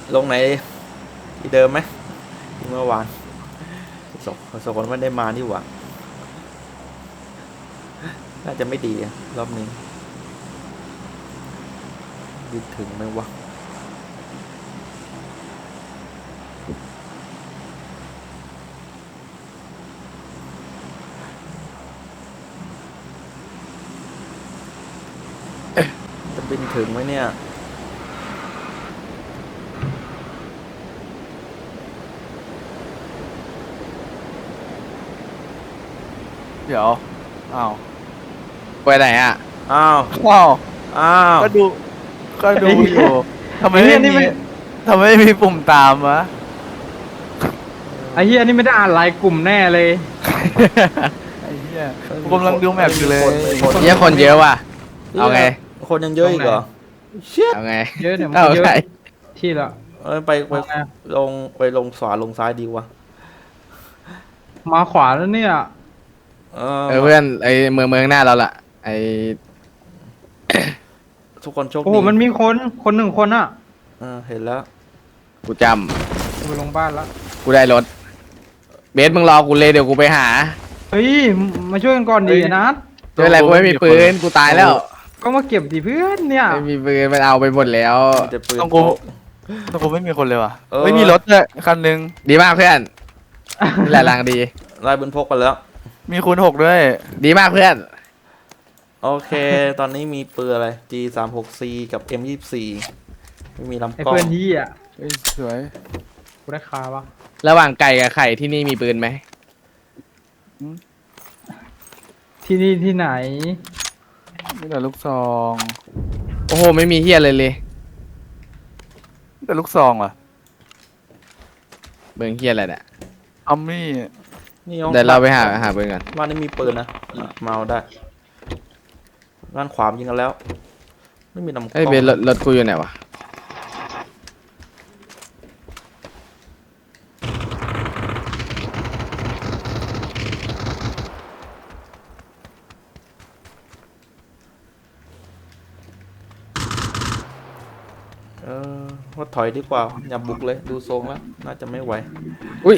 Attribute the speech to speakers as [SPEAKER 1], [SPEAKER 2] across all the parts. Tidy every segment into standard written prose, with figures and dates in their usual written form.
[SPEAKER 1] ลงไหนที่เดิมไหมเมื่อวานสองคนไม่ได้มานี่หว่าน่าจะไม่ดีรอบนี้ดีถึงไหมวะจะบินถึงไหมเนี่ย
[SPEAKER 2] เดี๋ยวอ้าว
[SPEAKER 3] ไปไหนอ่ะ
[SPEAKER 1] อ้าว
[SPEAKER 2] ว้าว
[SPEAKER 1] อ้าว
[SPEAKER 2] ก็ดูอยู่ทำไมไม่มีทำไมไม่มีปุ่มตามวะ
[SPEAKER 4] ไอ้เฮียนี่ไม่ได้อ่านไลน์กลุ่มแน่เลย
[SPEAKER 2] ไอ้เหี้ยกูกำลังดูแมปอยู่เลย
[SPEAKER 3] เยอะคนเยอะว่ะเอาไง
[SPEAKER 1] คนยังเยอะอีกเหรอเชี่ย
[SPEAKER 3] เอาไง
[SPEAKER 4] เยอะเนี่ยมัน
[SPEAKER 3] เอา
[SPEAKER 4] ก็เยอะ
[SPEAKER 3] ไง
[SPEAKER 4] ที่ละ
[SPEAKER 1] ไปลงขวาลงซ้ายดีวะ
[SPEAKER 4] มาขวาแล้วเนี่ย
[SPEAKER 3] เพื่อนไอเมืองหน้าเราล่ะไอ
[SPEAKER 1] ทุกคนโชค
[SPEAKER 4] โอ้
[SPEAKER 1] ดี
[SPEAKER 4] โหมันมีคนหนึ่งคนอ่ะ
[SPEAKER 1] เห็นแล้ว
[SPEAKER 3] กูจ
[SPEAKER 4] ไปลงบ้านแล้ว
[SPEAKER 3] ำกูได้รถเบสมึงรอกูเลยเดี๋ยวกูไปหา
[SPEAKER 4] เฮ้ยมาช่วยกันก่อนดีนะ
[SPEAKER 3] ไม่เป็นไรกูไม่มีปืนกูตายแล้ว
[SPEAKER 4] ก็มาเก็บดิเพื่อนเนี่ย
[SPEAKER 3] ไม่มีปืนมันเอาไปหมดแล้ว
[SPEAKER 1] มีแต่ปืน
[SPEAKER 2] ต้องกูไม่มีคนเลยว่ะ
[SPEAKER 1] เออ
[SPEAKER 2] ไม่มีรถเลยคันหนึง
[SPEAKER 3] ดีมากเพื่อนนี่แหละรางดี
[SPEAKER 1] ไล่ปืนพกไปแล้ว
[SPEAKER 2] มีคูณ 6ด้วย
[SPEAKER 3] ดีมากเพื่อน
[SPEAKER 1] โอเค ตอนนี้มีปืนอะไร G36C กับ M24 ไม่มีลำ
[SPEAKER 4] ไอ้
[SPEAKER 1] กล้อง
[SPEAKER 4] เพื่อนที่อ่ะ
[SPEAKER 2] เฮ้ยสวย
[SPEAKER 4] กูได้คาวะ
[SPEAKER 3] ระหว่างไก่กับไข่ที่นี่มีปืนไหม
[SPEAKER 4] ที่นี่ที่ไหน
[SPEAKER 2] มีแต่ลูกซอง
[SPEAKER 3] โอ้โหไม่มีเฮียเลยเลย
[SPEAKER 2] มีแต่ลูกซองว่ะ
[SPEAKER 3] เบิงเฮียอะไรเนี่ย
[SPEAKER 2] อัมมี่
[SPEAKER 1] นี่ห้อง
[SPEAKER 3] เดี๋ยวเราไปหาปืนกัน
[SPEAKER 1] บ้านนี้มีปืนนะมาเอาได้ด้านขวายิงกันแล้ว ไม่มีลำกล้
[SPEAKER 3] เอ้ย
[SPEAKER 1] อง
[SPEAKER 3] เบสรถกูอยู่ไหนวะ
[SPEAKER 1] ว่าถอยดีกว่าอย่าบุกเลยดูทรงแล้วน่าจะไม่ไหว
[SPEAKER 3] อุ้ย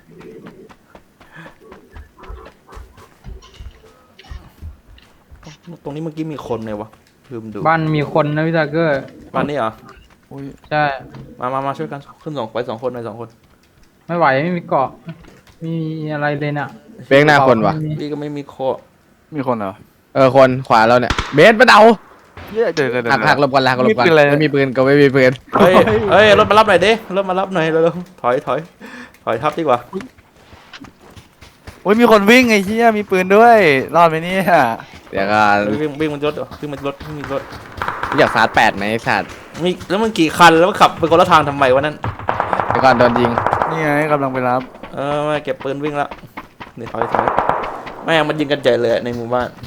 [SPEAKER 1] ตรงนี้เมื่อกี้มีคนไหมวะลืมดู
[SPEAKER 4] บ้านมีคนนะพี่ตาเกอร์
[SPEAKER 1] บ้านนี้เหรอ
[SPEAKER 2] อุ้ย
[SPEAKER 4] ใช่
[SPEAKER 1] มาช่วยกันขึ้นไปสองคนไปสองคน
[SPEAKER 4] ไม่ไหวไม่มีเกาะไม่มีอะไรเลยน่ะ
[SPEAKER 3] เบงหน้าคนวะ
[SPEAKER 4] ไม่มี
[SPEAKER 1] พี่ก็ไม่มีโค
[SPEAKER 2] มีคนเหรอ
[SPEAKER 3] คนขวาเราเนี่ยเบสมาเอา
[SPEAKER 2] เหี้ยเดี๋ยว
[SPEAKER 3] หักหลบก่อนหักหลบก่อน
[SPEAKER 2] มีปืนอะไร
[SPEAKER 3] ไม่มีปืนก็ไม่มีปืน
[SPEAKER 1] เฮ้ยรถมารับหน่อยดิรถมารับหน่อยเร็วๆถอยทับดีกว่า
[SPEAKER 2] โอ้ยมีคนวิ่งไอ้เหี้ยมีปืนด้วยรอดไหมเนี่ย
[SPEAKER 3] เดี๋ยวก็
[SPEAKER 1] วิ่งมันรถวิ่งมันรถวิ่งมันรถ
[SPEAKER 3] อยากสาด8ไหมไอ้สัตว์
[SPEAKER 1] มีแล้วมันกี่คันแล้วมันขับไปคนละทางทำไมวะนั่น
[SPEAKER 3] เดี๋ยวก่อนโดนยิง
[SPEAKER 2] นี่ไงกำลังไปรับ
[SPEAKER 1] ไม่เก็บปืนวิ่งละนี่ถอยแม่งมันยิงกันใหญ่เลยในหมู่บ้าน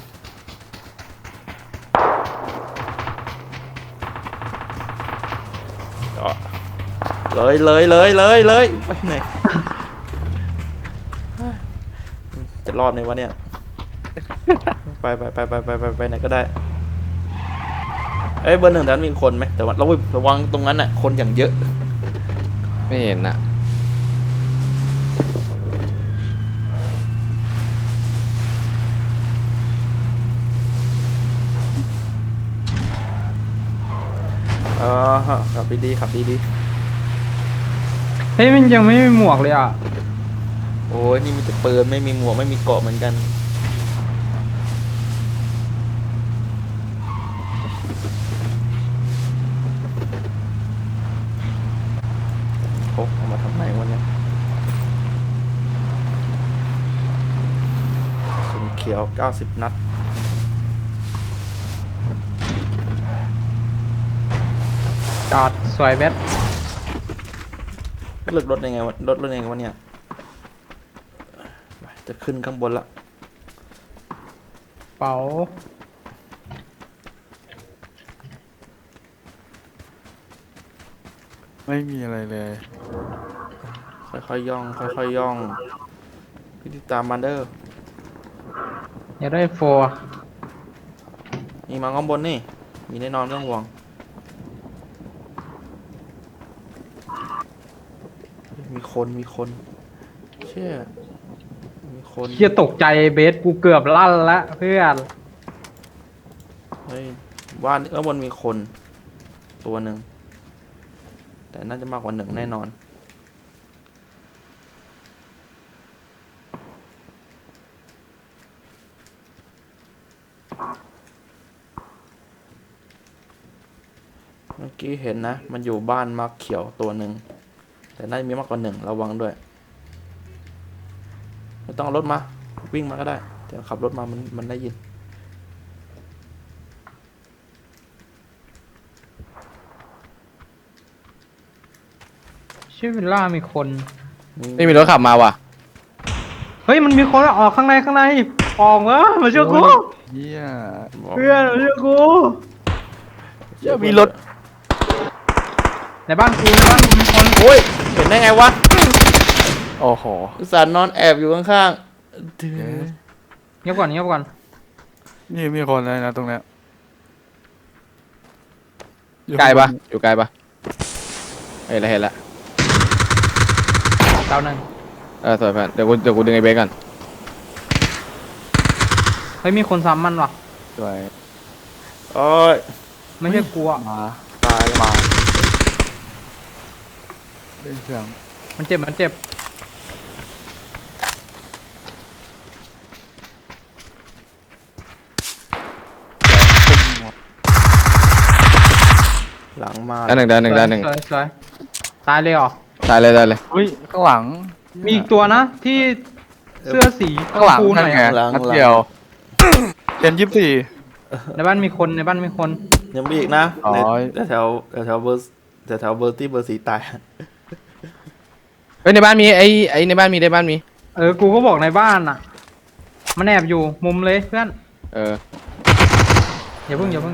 [SPEAKER 1] เลยไปไหนจะรอดไหมวะเนี่ยไปไหนก็ได้เบอร์หนึ่งแถวนั้นมีคนไหมแต่ว่าระวังตรงนั้นน่ะคนอย่างเยอะ
[SPEAKER 3] ไม่เห็นอ่ะ
[SPEAKER 1] ขับดีๆขับดี
[SPEAKER 4] เฮ้ยมันยังไม่มีหมวกเลยอ่ะ
[SPEAKER 1] ๆโอ้ยนี่มีแต่ปืนไม่มีหมวกไม่มีเกราะเหมือนกันพกเอามาทำไมวะเนี่ยสุนเขียว90 นัด
[SPEAKER 4] จอดสวยเบ็ด
[SPEAKER 1] เลือกรถยังไงวะเนี่ยจะขึ้นข้างบนละ
[SPEAKER 4] เป๋า
[SPEAKER 2] ไม่มีอะไรเลย
[SPEAKER 1] ค่อยๆย่องพี่ติดตามมันเด้อ
[SPEAKER 4] อย่าได้โฟร์
[SPEAKER 1] มีมาข้างบนนี่มีแน่นอนไม่ต้องห่วงมีคนเชี่ยมีคน
[SPEAKER 4] เฮียตกใจเบสกูเกือบลั่นละเพื่อน
[SPEAKER 1] เฮ้ยบ้านบนมีคนตัวหนึ่งแต่น่าจะมากกว่า1แน่นอนเมื่อกี้เห็นนะมันอยู่บ้านมักเขียวตัวหนึ่งแต่น่าจะมีมากกว่า1ระวังด้วยไม่ต้องเอารถมาวิ่งมาก็ได้เดี๋ยวขับรถมามันได้ยิน
[SPEAKER 4] ชื่อวิลล่ามีคน
[SPEAKER 3] ไม่มีรถขับมาว่ะ
[SPEAKER 4] เฮ้ยมันมีคนออกข้างในออกมาช่วยกู
[SPEAKER 2] เฮีย
[SPEAKER 4] เพื่อนมาช่วยกู
[SPEAKER 2] เหี้ยมีรถ
[SPEAKER 4] ในบ้านกูมีคน
[SPEAKER 1] โอ้ยเห็นได้ไงวะ
[SPEAKER 2] โอ้โห
[SPEAKER 1] อุตส่าห์นอนแอบอยู่ข้างๆ
[SPEAKER 4] เงียบก่อน
[SPEAKER 2] นี่มีคนเลยนะตรงเนี้ยอยู่
[SPEAKER 3] ไกลปะ
[SPEAKER 2] ข้างบน
[SPEAKER 3] อยู่ไกลปะเห็นละ
[SPEAKER 4] ดาวหนึ่ง
[SPEAKER 3] สวยเพื่อนเดี๋ยวกูดึงไอ้เบสก่อน
[SPEAKER 4] เฮ้ยมีคนซ้ำมันว่ะ
[SPEAKER 2] สวย
[SPEAKER 1] โอ้ย
[SPEAKER 4] ไม่ใช่กูอ่ะ
[SPEAKER 2] มา
[SPEAKER 1] ตายมา
[SPEAKER 2] เล่นเครื่อง
[SPEAKER 4] มันเจ็บ
[SPEAKER 1] หลังมา
[SPEAKER 3] ด้านหนึ่ง
[SPEAKER 4] สวยตายเลยเหรอ
[SPEAKER 3] ได้เลย
[SPEAKER 2] อุ้ยข้างหลัง
[SPEAKER 4] มีอีกตัวนะที่เสื้อสี
[SPEAKER 2] ข้างหลัง
[SPEAKER 4] ชมพูห
[SPEAKER 2] นั่
[SPEAKER 4] น่
[SPEAKER 2] น
[SPEAKER 4] อย
[SPEAKER 2] ไง
[SPEAKER 4] อะ
[SPEAKER 2] นัดเดียวเจน24
[SPEAKER 4] ในบ้านมีคน
[SPEAKER 1] ยังมีอีกนะ
[SPEAKER 2] อ๋อ
[SPEAKER 1] แต่แถวเบอร์แต่แถวเบอร์ที่เบอร์สีตาย
[SPEAKER 3] เฮ้ยในบ้านมีไอ้ในบ้านมี
[SPEAKER 4] กูก็บอกในบ้านอ่ะ มันแอบอยู่มุมเลยเพื่อน อย่าเพิ่ง
[SPEAKER 1] ระวัง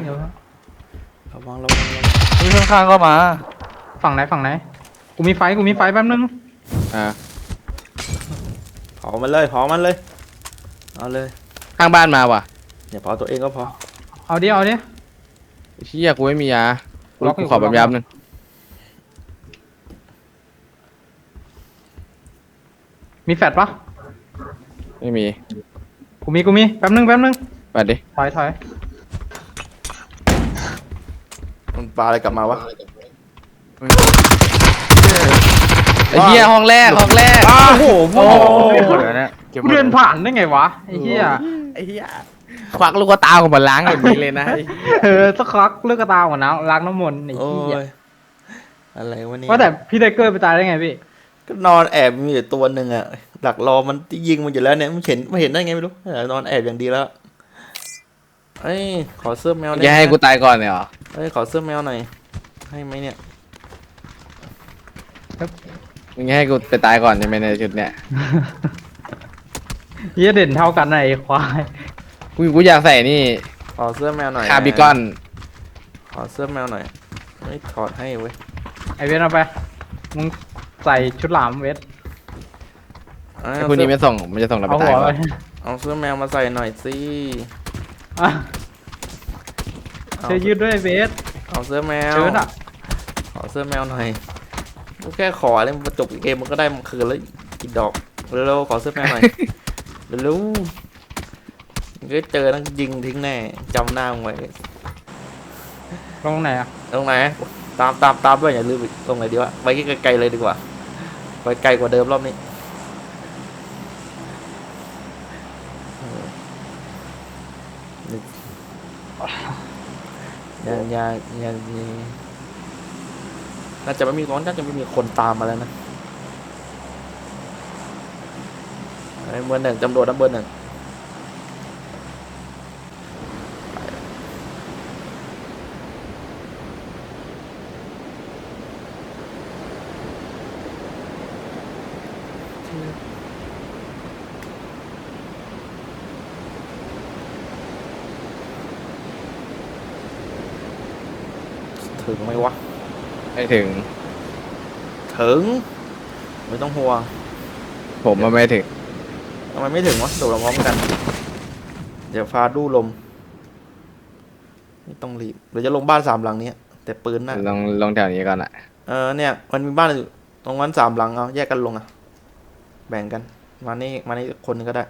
[SPEAKER 2] นี่ข้างๆก็มา
[SPEAKER 4] ฝั่งไหนกูมีไฟแป๊บนึง
[SPEAKER 1] เผามันเลยเอาเลย
[SPEAKER 3] ข้างบ้านมาว่ะ
[SPEAKER 1] อย่าเผาตัวเองก็พอ
[SPEAKER 4] เอาดิ
[SPEAKER 3] เชี่ยกูไม่มียา
[SPEAKER 4] ล็อกอยู่
[SPEAKER 3] ขอแบบยับนึง
[SPEAKER 4] มีแฟดปะ
[SPEAKER 3] ไม่มี
[SPEAKER 4] กูมีแป๊บนึง
[SPEAKER 3] ไปดิ
[SPEAKER 4] ถอย
[SPEAKER 1] มันปลาอะไรกลับมาวะ
[SPEAKER 3] ไอ้เหี้ยห้องแรก
[SPEAKER 4] โอ้โห
[SPEAKER 2] โอ้โหเดี๋ยวเนี่ยก็บ
[SPEAKER 4] กู
[SPEAKER 2] ไว้
[SPEAKER 4] เดินผ่านได้ไงวะไอ้เหี้ย
[SPEAKER 3] ไอ้เหี้ยควักลูกตาของมันล้างอย่างนี้เลยนะ
[SPEAKER 4] สักพักเลือกกระตาก่อนนะล้างน้ำมนต์ไอ้
[SPEAKER 1] โอ้
[SPEAKER 4] เหี้ย
[SPEAKER 1] ยอะไรวะเนี่ย
[SPEAKER 4] ว่าแต่พี่ไทเกอร์ไปตายได้ไงพี่
[SPEAKER 1] ก็นอนแอบมีแต่ตัวหนึ่งอะดักรอมันยิงมันอยู่แล้วเนี่ยมันเห็นได้ไงไม่รู้นอนแอบอย่างดีแล้วเอ้ยขอเสื้อแมวได้
[SPEAKER 3] อย่า
[SPEAKER 1] ไหม
[SPEAKER 3] ให้กูตายก่อนเนี่ยเหรอ
[SPEAKER 1] เอ้ยขอเสื้อแมวหน่อยให้ไหมเนี่ย
[SPEAKER 3] มึงให้กูไปตายก่อนใช่ไหมในชุดเนี่ย
[SPEAKER 4] เหี้ยเด่นเท่ากันนะไอ้ควาย
[SPEAKER 3] กูอยากใส่นี่
[SPEAKER 1] ขอเสื้อแมวหน่อย
[SPEAKER 3] คาร์บิกอน
[SPEAKER 1] ขอเสื้อแมวหน่อยไม่ถอดให้เว้ย
[SPEAKER 4] ไอเวทเอาไปมึงใส่ชุดหลามเวท
[SPEAKER 1] เอา
[SPEAKER 3] ไอ้พวกนี้ไม่ส่งมันจะส่งเราไป
[SPEAKER 4] เอา
[SPEAKER 3] ตา
[SPEAKER 4] หั
[SPEAKER 3] ยว ก่
[SPEAKER 4] ไป
[SPEAKER 3] อน
[SPEAKER 1] เอาเสื้อแมวมาใส่หน่อยสิ
[SPEAKER 4] อ่ะ
[SPEAKER 1] เอา
[SPEAKER 4] เสื้อยืดด้วยเวท
[SPEAKER 1] เอาเสื้อแมว
[SPEAKER 4] เชิ้ตอ่ะ
[SPEAKER 1] ขอเสื้อแมวหน่อยกูแค่ขอเลยมันจบเกมมันก็ได้มันคืนแล้วกี่ดอกเร็วๆขอเสื้อแมวหน่อยเร็วๆมันก็เจอต้องยิงทิ้งแน่จำหน้ามึงไว้
[SPEAKER 4] ลงไหนอ่ะ
[SPEAKER 1] ตรงไหนตามด้วยอย่าลืมอีกตรงไหนดีวะไปไกลๆเลยดีกว่าไปไกลกว่าเดิมรอบนี้ยังน่าจะไม่มีคนตามมาแล้วนะไอ้เบอร์ 1ตำรวจนะเบอร์ 1ถึงไหมวะ
[SPEAKER 3] ไม่ถึง
[SPEAKER 1] ถึงไม่ต้องห่วง
[SPEAKER 3] ผมมันไม่ถึง
[SPEAKER 1] ทำไมไม่ถึงวะโดดลงพร้อมกัน เดี๋ยวฟ้าดูลมไม่ต้องรีบเดี๋ยวจะลงบ้าน3 หลังนี้แต่ปืนน่ะ
[SPEAKER 3] ลองแถวนี้ก่อนอ่ะ
[SPEAKER 1] เนี่ยมันมีบ้านอยู่ตรงนั้นสามหลังเอาแยกกันลงอ่ะแบ่งกันมานี่คนหนึงก็ได้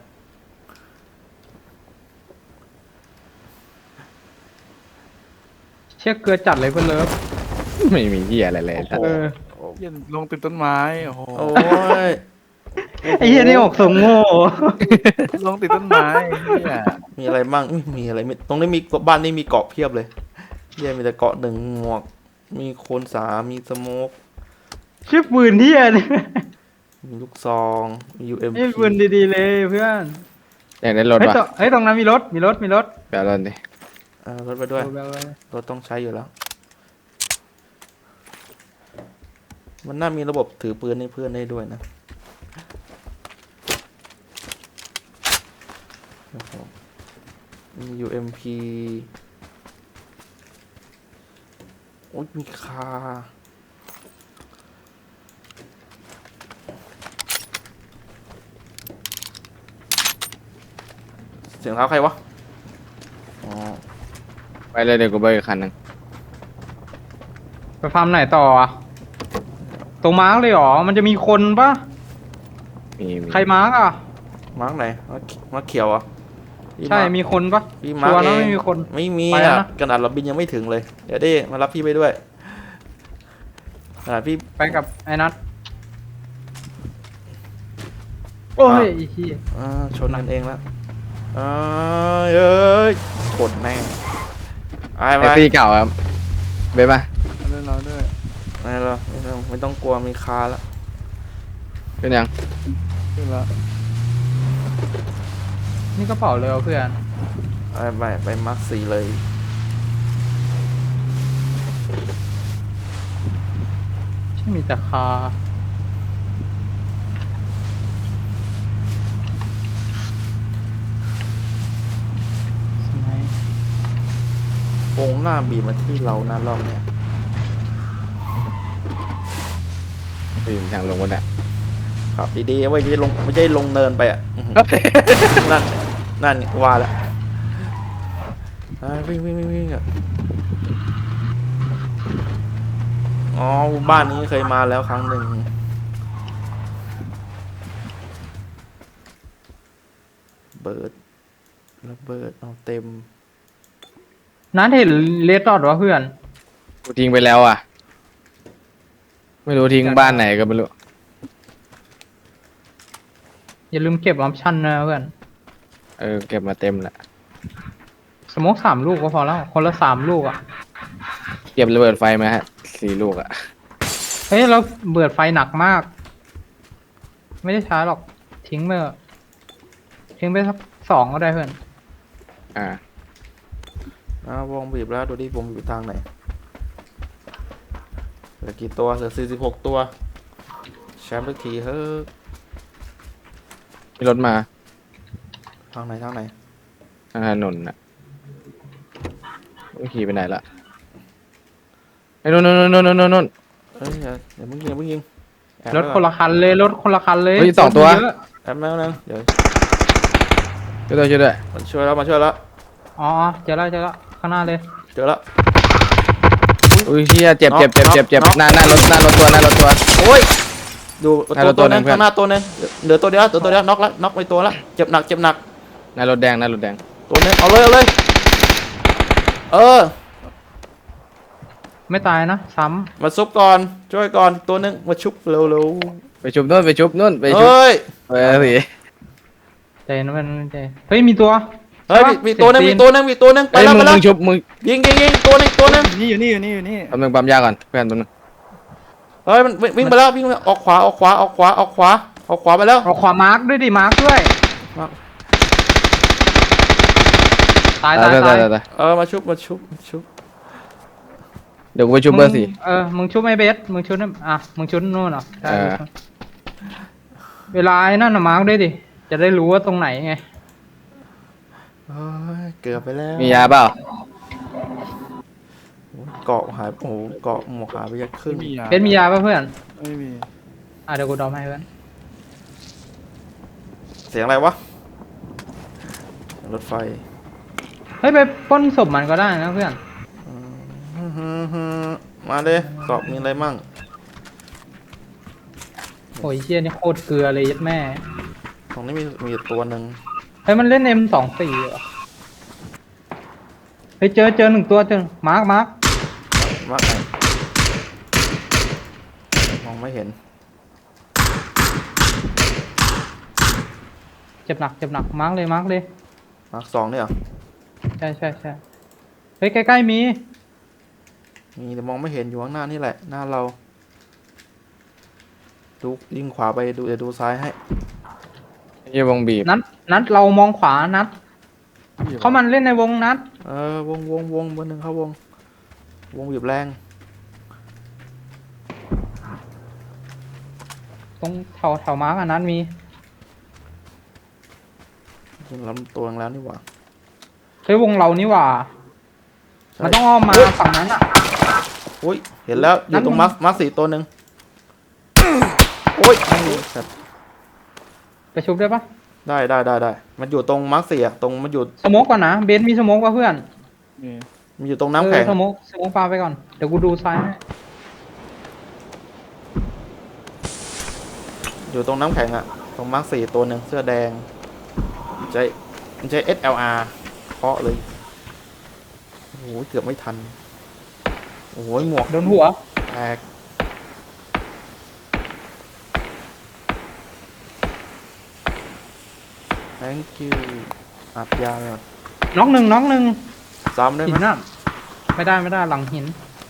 [SPEAKER 4] เชี่ยเกลือจัดเลยเพื่อนเลิฟ
[SPEAKER 3] ไม่มีที่อะไรเลยสัตว์
[SPEAKER 4] เออ
[SPEAKER 2] เหี้ยลงติดต้นไม้โอ้โห
[SPEAKER 1] โอ้ย
[SPEAKER 4] ไอ้เหี้ยนี่ออกสมโง่
[SPEAKER 2] ลงติดต้นไม้เนี่ย
[SPEAKER 1] มีอะไรบ้างมีอะไรตรงนี้มีบ้านนี้มีเกาะเพียบเลยเหี้ยมีแต่เกาะหนึ่งหมวกมีโคนสามมีสโมก
[SPEAKER 4] ชื่อปืนเหี้ยเนี่ย
[SPEAKER 1] มีลูกซองมี UMP
[SPEAKER 4] ไอ้ปืนดีๆเลยเพื่อน
[SPEAKER 3] อยากได้รถ
[SPEAKER 4] เฮ้ย
[SPEAKER 3] ป่ะ
[SPEAKER 4] เฮ้ยตรงนั้นมีรถมีรถมีรถ
[SPEAKER 3] แปลรถดิ
[SPEAKER 1] รถไปด้วย
[SPEAKER 4] เอาไปเอาไป
[SPEAKER 1] รถต้องใช้อยู่แล้ว มันน่ามีระบบถือปืนให้เพื่อนได้ด้วยนะโอ้โหมี UMP โอ้ยมีคาเสียงเท้าใครวะ อ๋อ
[SPEAKER 3] ไปเลยเดี๋ยวกูไปอีกคันหนึง
[SPEAKER 4] ไปฟาร์มไหนต่ออะตรงมาร์กเลยเหรอมันจะมีคนปะ
[SPEAKER 3] มี
[SPEAKER 4] ใครมาร์กอ่ะ
[SPEAKER 1] มาร์กไหนมาร์กเขียวเหรอ่ะ
[SPEAKER 4] ใช่มีคนปะ
[SPEAKER 1] พี่มาร์
[SPEAKER 4] ชั
[SPEAKER 1] ก
[SPEAKER 4] วร์
[SPEAKER 1] เอ
[SPEAKER 4] นะ
[SPEAKER 1] ง
[SPEAKER 4] ไม่มีคน
[SPEAKER 1] ไม่มี
[SPEAKER 4] ไปแล้ว
[SPEAKER 1] อ่ะ
[SPEAKER 4] นะ
[SPEAKER 1] ขนาดเราบินยังไม่ถึงเลย เดี๋ยวดิมารับพี่ไปด้วยขนาดพี่
[SPEAKER 4] ไปกับไอ้นัทโอ้ยไอ้เหี้ย
[SPEAKER 1] ชนกันเองแล้วเอ้ยชนแม่งไอ้
[SPEAKER 3] แท็
[SPEAKER 1] ไป
[SPEAKER 3] กซี่เก่าครับเบ๊ป่ะ
[SPEAKER 2] เอาด้วยเราด้วย
[SPEAKER 1] ไม่ต้องกลัวมีคาแล้ว
[SPEAKER 3] เป็นยัง
[SPEAKER 2] ขึ้นแล้ว
[SPEAKER 4] นี่กระเป๋าเลยเหรอเพื่อน
[SPEAKER 1] ไปมาร์ค4เลย
[SPEAKER 4] ที่มีแต่คาสมัยว
[SPEAKER 1] งหน้าบีบมาที่เรานะรอบเนี้ย
[SPEAKER 3] ไปอยู่ทางลงวันน่ะ
[SPEAKER 1] ครับดีๆไว้ไม่ใช่ลงเนินไปอ่ะอื้อหือนั่นว่าแล้ววิ่งอ่ะอ๋อบ้านนี้เคยมาแล้วครั้งหนึ่งระเบิดเอาเต็ม
[SPEAKER 4] นัทเห็นเลดดอทวะเพื่อน
[SPEAKER 3] กูทิ้งไปแล้วอ่ะ ไม่รู้ทิ้งบ้านไหนก็ไม่รู้
[SPEAKER 4] อย่าลืมเก็บออปชั่นนะเพื่อน
[SPEAKER 3] เก็บมาเต็มแหละ
[SPEAKER 4] สโมก3 ลูกก็พอแล้ว คนละ3 ลูกอ่ะ
[SPEAKER 3] เก็บระเบิดไฟมาฮะ4 ลูกอ่ะ
[SPEAKER 4] เฮ้ยเราเบิดไฟหนักมาก ไม่ได้ใช้หรอก ทิ้งไปเถอะทิ้งไปสัก2ก็ได้เพื่อน
[SPEAKER 1] วงบีบแล้วดูดิวงอยู่ทางไหนเหลือกี่ตัวเหลือ46 ตัวแชมป์ทุกทีเฮ้ย
[SPEAKER 3] มีรถมา
[SPEAKER 1] ทางไหน
[SPEAKER 3] ทางถนนน่ะไม่ขี่ไปไหนละไอ้นู่น
[SPEAKER 1] เฮ้ยอย่าเพิ่งยิงแอบ
[SPEAKER 4] รถคนละคันเลยรถคนละคันเลย
[SPEAKER 3] เฮ้ย2 ตัว
[SPEAKER 4] เยอะ
[SPEAKER 1] แอบแม่นึงเดี๋ยว
[SPEAKER 3] ช่วยด้วย
[SPEAKER 1] มาช่วยแล้ว
[SPEAKER 4] อ๋อเจอแล้วข้างหน้าเลย
[SPEAKER 1] เจอแล้ว
[SPEAKER 3] อุ้ยเฮียเจ็บ
[SPEAKER 1] น็อกน็อก
[SPEAKER 3] หน้ารถตัว
[SPEAKER 1] โอ้ยดู
[SPEAKER 3] หน้ารถ
[SPEAKER 1] ตัวนึง
[SPEAKER 3] ตัวหนึ่ง
[SPEAKER 1] ข้างหน้าตัวนึงเหลือตัวเดียวน็อกแล้วน็อกไปตัวแล้วเจ็บหนัก
[SPEAKER 3] หน้ารถแดง
[SPEAKER 1] ตัวนึงเอาเลย
[SPEAKER 4] ไม่ตายนะซ้
[SPEAKER 1] มาซุปก่อนช่วยก่อนตัวนึงมาชุบเร็ว
[SPEAKER 3] ไปชุบนู่นไปชุบ
[SPEAKER 1] เฮ้ย
[SPEAKER 3] เฮ้ยสิ
[SPEAKER 4] ำใจนะมันใจเฮ้ยมีตัว
[SPEAKER 1] เฮ้ย
[SPEAKER 4] ใช่ปะ
[SPEAKER 1] มีตัวนึง
[SPEAKER 4] เสี
[SPEAKER 1] มี
[SPEAKER 4] ยง
[SPEAKER 1] ตัวนึงไป
[SPEAKER 3] เฮ้ย
[SPEAKER 1] แล้ว
[SPEAKER 3] มึงชุบมึง
[SPEAKER 1] ยิงตัวนึง
[SPEAKER 2] อยู่นี่
[SPEAKER 3] แป๊บนึงปั๊มยาก่อนเพื่อนแป๊บนึง
[SPEAKER 1] เฮ้ยมันวิ่งไปแล้วออกขวาไปแล้ว
[SPEAKER 4] เอาขวามาร์กด้วยดิมาร์กด้วย ตาย
[SPEAKER 1] มาชุบ
[SPEAKER 3] เดี๋ยวกูไปชุบเบอร์ 4
[SPEAKER 4] มึงชุบไอ้เบสมึงชุบนั่นมึงชุบนู่นเหรอใช่
[SPEAKER 3] เออ
[SPEAKER 4] เวลาไอ้นั่นน่ะมาร์กด้วยดิจะได้รู้ว่าตรงไหนไง
[SPEAKER 1] เกือบไปแล้ว
[SPEAKER 3] มียาเปล่า
[SPEAKER 1] เกาะหายโอ้โหเกาะหมวกหายไปยักครึ่
[SPEAKER 2] ไม่
[SPEAKER 1] ง
[SPEAKER 2] มียา
[SPEAKER 4] เบสมียาป่ะเพื่อน
[SPEAKER 2] ไม่มี
[SPEAKER 4] เดี๋ยวกูดอมให้เพื่อน
[SPEAKER 1] เสียงอะไรวะรถไฟ
[SPEAKER 4] เฮ้ยไปปล้นศพมันก็ได้นะเพื่อน
[SPEAKER 1] มาเลยเกาะมีอะไรมั่ง
[SPEAKER 4] โอ้ยเชี่ยนี่โคตรเกลือเลยยัดแม่
[SPEAKER 1] ตรงนี้มีอยู่ตัวหนึ่ง
[SPEAKER 4] เฮ้ยมันเล่น M24 เหรอเฮ้ยเจอหนึ่งตัวมาร์ค
[SPEAKER 1] มาร์กไหนมองไม่เห็น
[SPEAKER 4] เจ็บหนักมาร์คเลย
[SPEAKER 1] มาร์กสองเนี่ยเหรอ
[SPEAKER 4] ใช่เฮ้ยใกล้ๆมี
[SPEAKER 1] มีแต่มองไม่เห็นอยู่ข้างหน้านี่แหละหน้าเราดูยิงขวาไปดูเดี๋ยวดูซ้ายให้
[SPEAKER 3] เยี่ยวงบีบ
[SPEAKER 4] นัดเรามองขวานัดเขามันเล่นในวงนัด
[SPEAKER 1] วงเบอร์หนึ่งเข้าวงบีบแรง
[SPEAKER 4] ตรงแถวมาร์กนัดมี
[SPEAKER 1] ยิงลำตัวแล้วนี่หว่า
[SPEAKER 4] เฮ้ยวงเรานี่หว่า
[SPEAKER 1] ใช่
[SPEAKER 4] มันต้องอ้อมมาฝั่งนั้นอ่ะ
[SPEAKER 1] อุ้ยเห็นแล้วอยู่ตรง
[SPEAKER 4] นั่น
[SPEAKER 1] มาร์คสี่ตัวหนึ่งโอ้ยแบบ
[SPEAKER 4] ไปชุบได้ปะ
[SPEAKER 1] ได้มันอยู่ตรงมาร์คสี่อะตรงมันอยู่
[SPEAKER 4] สโมกก่อนนะเบนซ์มีสโมกป่ะเพื่อน
[SPEAKER 1] มันอยู่ตรงน้ำแข็ง
[SPEAKER 4] สโมกปาไปก่อนเดี๋ยวกูดูซ้ายให้
[SPEAKER 1] อยู่ตรงน้ำแข็งอะตรงมาร์คสี่ตัวหนึ่งเสื้อแดงใช้ SLR เคาะเลยโอ้โหเกือบไม่ทันโอ้โหหมวก
[SPEAKER 4] โดนหัว
[SPEAKER 1] แตกthank you อัดยาเลยก่อน
[SPEAKER 4] น็อกหนึ่ง
[SPEAKER 1] ซ้ำได้
[SPEAKER 4] หิ
[SPEAKER 1] ไหม
[SPEAKER 4] นน่ะไม่ได้หลังหิน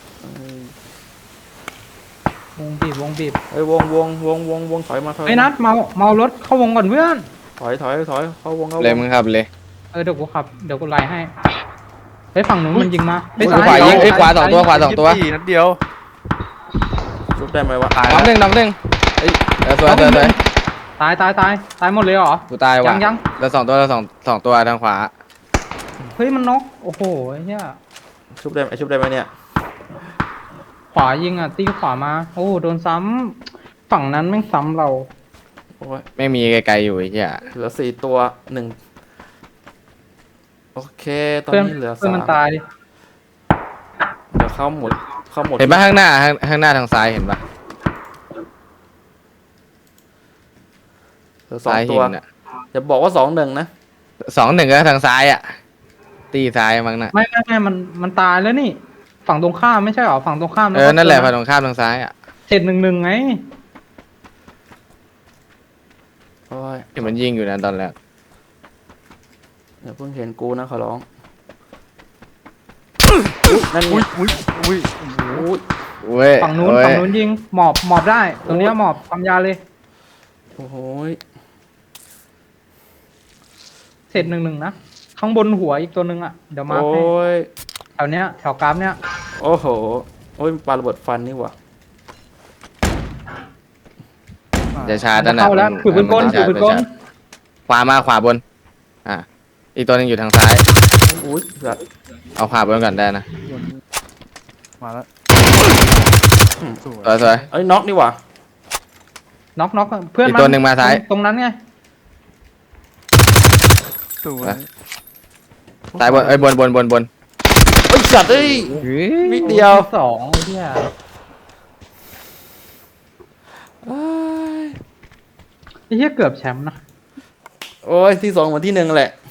[SPEAKER 4] วงบีบ
[SPEAKER 1] เฮ้ยวงถอยมา
[SPEAKER 4] ไอ้ยนัดเมารถเข้าวงก่อนเพื่อน
[SPEAKER 1] ถอยเข้าวง
[SPEAKER 3] เลยมึงครับเลย
[SPEAKER 4] เดี๋ยวกูขับเดี๋ยวกูไล่ให้เฮ้ยฝั่งนู้นมันยิงมาเฮ้ย
[SPEAKER 3] ขวายิงเอ้ยขวาสองตัวขวาสองตัว
[SPEAKER 2] ยี่สิบนัดเดียว
[SPEAKER 1] ชุบได้ไหมวะ
[SPEAKER 2] ตาย
[SPEAKER 3] น้องหนึ่งเอ้ยสวย
[SPEAKER 4] ตายหมดเลยเหรอ
[SPEAKER 3] กูตายว่ะ
[SPEAKER 4] ยัง
[SPEAKER 3] แล้วสองตัวทางขวา
[SPEAKER 4] เฮ้ยมันน็อกโอ้โหไอ้เหี้ย
[SPEAKER 1] ชุบได้ไหมเนี่ย
[SPEAKER 4] ขวายิงอ่ะตีขวามาโอ้โดนซ้ำฝั่งนั้นแม่งซ้ำเรา
[SPEAKER 1] โอ้ย
[SPEAKER 3] ไม่มีไกลๆอยู่ไอ้เหี้ย
[SPEAKER 1] เหลือ4ตัว1โอเคตอน
[SPEAKER 4] เพื่อน
[SPEAKER 1] นี้เหลือ
[SPEAKER 4] เพื่อนมัน
[SPEAKER 1] 3
[SPEAKER 4] ตาย
[SPEAKER 1] เดี๋ยวเข้าหมด
[SPEAKER 3] เห็นปะข้างหน้าทางซ้ายเห็นปะ
[SPEAKER 1] เหลือ
[SPEAKER 3] ซ้าย
[SPEAKER 1] 2 ตั
[SPEAKER 3] หิ
[SPEAKER 1] วน
[SPEAKER 3] อ่ะ
[SPEAKER 1] จะบอกว่า2-1นะ
[SPEAKER 3] 2-1ก็ทางซ้ายอ่ะตีซ้ายมั้งน่ะ
[SPEAKER 4] ไม่มันตายแล้วนี่ ฝั่งตรงข้ามไม่ใช่เหรอฝั่งตรงข้าม
[SPEAKER 3] นั่นแหละฝั่งตรงข้ามทางซ้ายอ่ะ
[SPEAKER 4] เสร็จ1-1ไง
[SPEAKER 1] โอ้ย
[SPEAKER 3] เห็นมันยิงอยู่นะตอนแรก
[SPEAKER 1] เดี๋ยวเพิ่งเห็นกูนะขอร้องอุ๊ยนั่นไง
[SPEAKER 2] อุ้ย
[SPEAKER 1] อุ้ย
[SPEAKER 3] เว้ย
[SPEAKER 4] ฝั่งนู้นยิงหมอบได้ตรงเนี้ยหมอบความยาวเลย
[SPEAKER 1] โอ้โหย
[SPEAKER 4] เสร็จ1-1นะข้างบนหัวอีกตัวหนึ่งอ่ะเดี๋ยวมา
[SPEAKER 1] โอ้
[SPEAKER 4] ให้
[SPEAKER 1] ย
[SPEAKER 4] แถวเนี้ยแถวกราฟเนี้ย
[SPEAKER 1] โอ้โหโอ้ยปาระเบิดฟันนี่หว่า
[SPEAKER 3] จะชาร์จ
[SPEAKER 4] มั
[SPEAKER 3] นั่
[SPEAKER 4] น
[SPEAKER 3] น
[SPEAKER 4] เข้าแล้วถือปืนกลถือปืนกล
[SPEAKER 3] ขวาบนอีกตัวนึงอยู่ทางซ้าย
[SPEAKER 1] อุ้ยสัตว์
[SPEAKER 3] เอาขวาบนก่อนได้นะ
[SPEAKER 2] มาแล้วสวย
[SPEAKER 3] สวย
[SPEAKER 1] เอ้ยน็อกนี่หว่า
[SPEAKER 4] น็อกเพื่อน
[SPEAKER 3] อีกตัวหนึ่งมาซ้าย
[SPEAKER 4] ตรงนั้นไง
[SPEAKER 2] สวย
[SPEAKER 3] ซ้ายบนเอ้ยบน
[SPEAKER 1] เอ้ยสัตว์เอ้ยนิดเดียว
[SPEAKER 4] สองไอ้เหี้ย
[SPEAKER 1] เอ้ย
[SPEAKER 4] ไอ้เหี้ยเกือบแชมป์นะ
[SPEAKER 1] โอ้ยที่2เหมือนที่1แหละ